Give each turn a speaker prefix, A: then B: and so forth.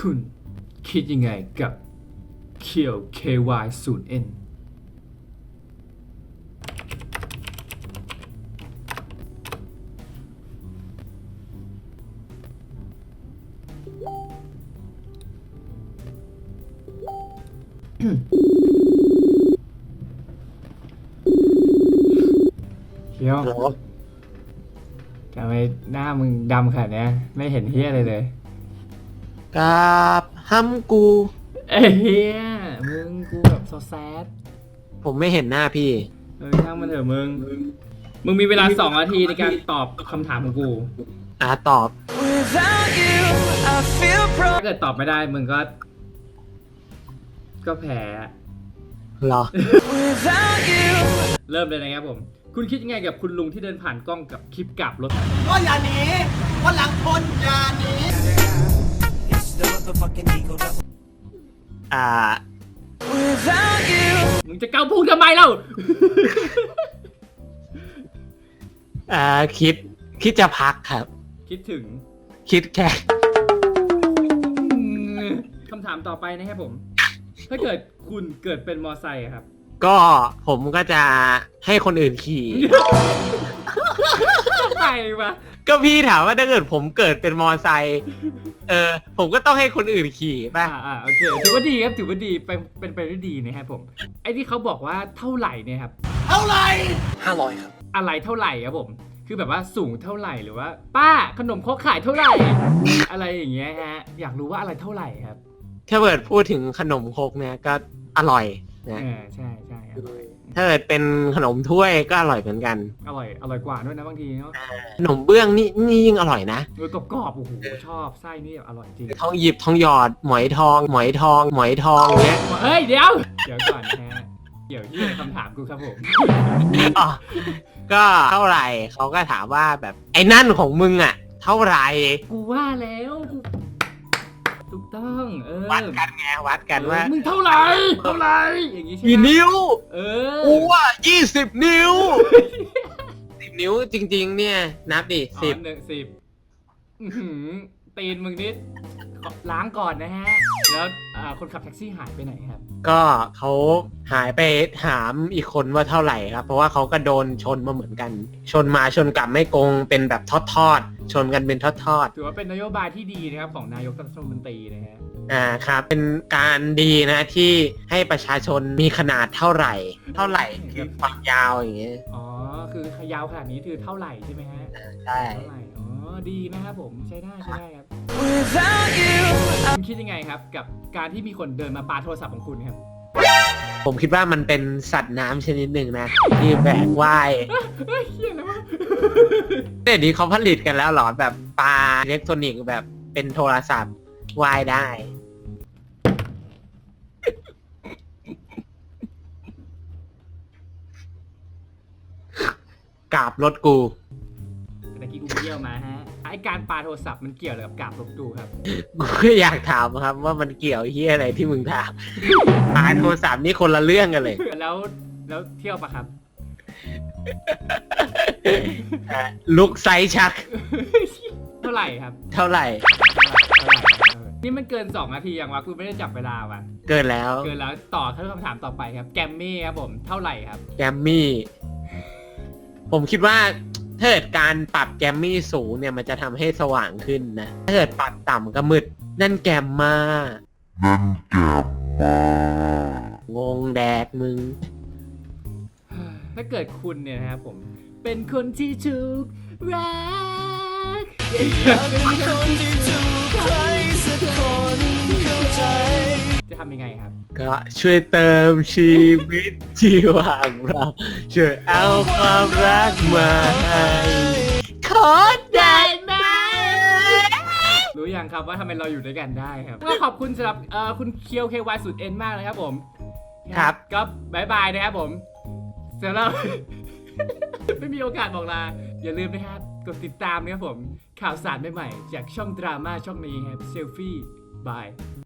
A: คุณคิดยังไงกับเคียว KY 0N เคียวทำไมหน้ามึงดำขนาดนี้ไม่เห็นเฮียอะไรเลย
B: กราบห้ำกู
A: เอ้ยเฮียมึงกูแบบโซแซด
B: ผมไม่เห็นหน้าพี่
A: ช่างมันเถอะมึงมีเวลา2 นาทีในการตอบคำถามของกู
B: ตอบ
A: ถ้าเกิดตอบไม่ได้มึงก็แพ้
B: เหรอ
A: เริ่มเลยนะครับผม คุณคิดยังไงกับคุณลุงที่เดินผ่านกล้องกับคลิปกลับรถ
C: ก็อย่าหนีวันหลังคนอย่าหนี
A: มึงจะเกาพุงทำไมเล่า
B: คิดจะพักครับ
A: คิดถึง
B: คิดแค่
A: คำถามต่อไปนะครับผม ถ้าเกิดคุณเกิดเป็นมอไซค์อะครับ
B: ก็ผมก็จะให้คนอื่นขี่
A: ทำไมวะ
B: ก็พี่ถามว่าถ้าเกิดผมเกิดเป็นมอไซค์ผมก็ต้องให้คนอื่นขี่ป่ะ
A: โอเคถือว่าดีครับถือว่าดีเป็นไปได้ดีนะครับผม ไอ้ที่เขาบอกว่าเท่าไหร่เนี่ยครับ
C: เท่าไหร่
B: 500 ครับ
A: อะไรเท่าไหร่ครับผม คือแบบว่าสูงเท่าไหร่หรือว่า ป้าขนมครกขายเท่าไหร่ อะไรอย่างเงี้ยฮะ อยากรู้ว่าอะไรเท่าไหร่ครับ
B: ถ้าเกิดพูดถึงขนมครกเนี่ยก็อร่อยนะ
A: ใช่อร่อย
B: ถ้าเกิดเป็นขนมถ้วยก็อร่อยเหมือนกัน
A: อร่อยกว่าด้วยนะบางทีเนาะ
B: ขนมเบื้องนี่ยิ่งอร่อยนะ
A: กรอบๆโอ้โหชอบไส้นี่แบบอร่อยจริง
B: ทองหยิบทองหยอดหมอยทองเนี้ย
A: เฮ้ยเดี๋ยวก่อนนะฮะเดี๋ยวที่คำถามกูครับผม
B: อ๋อก็เท่าไหร่เขาก็ถามว่าแบบไอ้นั่นของมึงอ่ะ เท่าไหร่
A: กูว่าแล้วถูกต้อง
B: วัดกันไงวัดกันว่า
A: มึงเท่าไหร่อย่างงี้ใช่ไหม
B: กี่นิ้ว
A: กู
B: ว่า20 นิ้ว 10 นิ้วจริงๆ เนี่ยนับดิ
A: 10ตีนมึงนิดล้างก่อนนะฮะแล้วคนขับแท็กซี่หายไปไหนครับ
B: ก็เขาหายไปถามอีกคนว่าเท่าไหร่ครับ เพราะว่าเขาก็โดนชนมาเหมือนกัน ชนมาชนกลับไม่โกงเป็นแบบทอดชนกันเป็นทอด
A: ถือว่าเป็นนโยบายที่ดีนะครับของนายกรัฐมนตรีนะฮะ
B: ครับเป็นการดีนะที่ให้ประชาชนมีขนาดเท่าไหร่คือความยาวอย่างเงี้ย
A: อ๋อคือยาวขนาดนี้คือเท่าไหร่ใช่ไหมฮะ
B: ใช่
A: เท่าไหร่อ๋อดีนะครับผมใช้ได้ครับคุณคิดยังไงครับกับการที่มีคนเดินมาปาโทรศัพท์ของคุณครับ
B: ผมคิดว่ามันเป็นสัตว์น้ำชนิดหนึ่งนะที่แบกว่าย
A: เฮียนะวะ
B: เดี๋ยวนี้เขาผลิตกันแล้วเหรอแบบปลาอิเล็กทรอนิกส์แบบเป็นโทรศัพท์ว่ายได้ กราบรถกู
A: ตะกี้กูไปเยี่ยวมาฮะไอการปาโทรศัพท์มันเกี่ยวอะไรกับกราบรถดูครับ
B: กูก็อยากถามครับว่ามันเกี่ยวเฮียอะไรที่มึงถามปลาโทรศัพท์นี่คนละเรื่องกันเลย
A: แล้วเที่ยวปะครับ
B: ลุกไซชัก
A: เท่าไหร่ครับ
B: เท่าไหร่
A: นี่มันเกิน2 นาทีอย่างวะกูไม่ได้จับเวลาว่ะ
B: เกินแล้ว
A: ต่อคำถามต่อไปครับแกมมี่ครับผมเท่าไหร่ครับ
B: แกมมี่ ผมคิดว่าถ้าเกิดการปรับแกมมี่สูงเนี่ยมันจะทำให้สว่างขึ้นนะ ถ้าเกิดปรับต่ำก็มืด นั่นแกมมางงแดกมึง
A: ถ้าเกิดคุณเนี่ยนะครับผมเป็นคนที่ถูกรักจะทำยังไงครับ
B: ก็ช่วยเติมชีวิตที่ว่างเราช่วยเอาความรักมาให้ขอได้ไหม
A: รู้ยังครับว่าทำไมเราอยู่ด้วยกันได้ครับก็ขอบคุณสำหรับคุณเคียว KY 0N มากเลยครับผม
B: ครับ
A: ก็บายบายนะครับผมสำหรับ ไม่มีโอกาสบอกลาอย่าลืมนะครับกดติดตามนะครับผมข่าวสารใหม่ๆจากช่องดราม่าช่องนี้ครับเซลฟี่บาย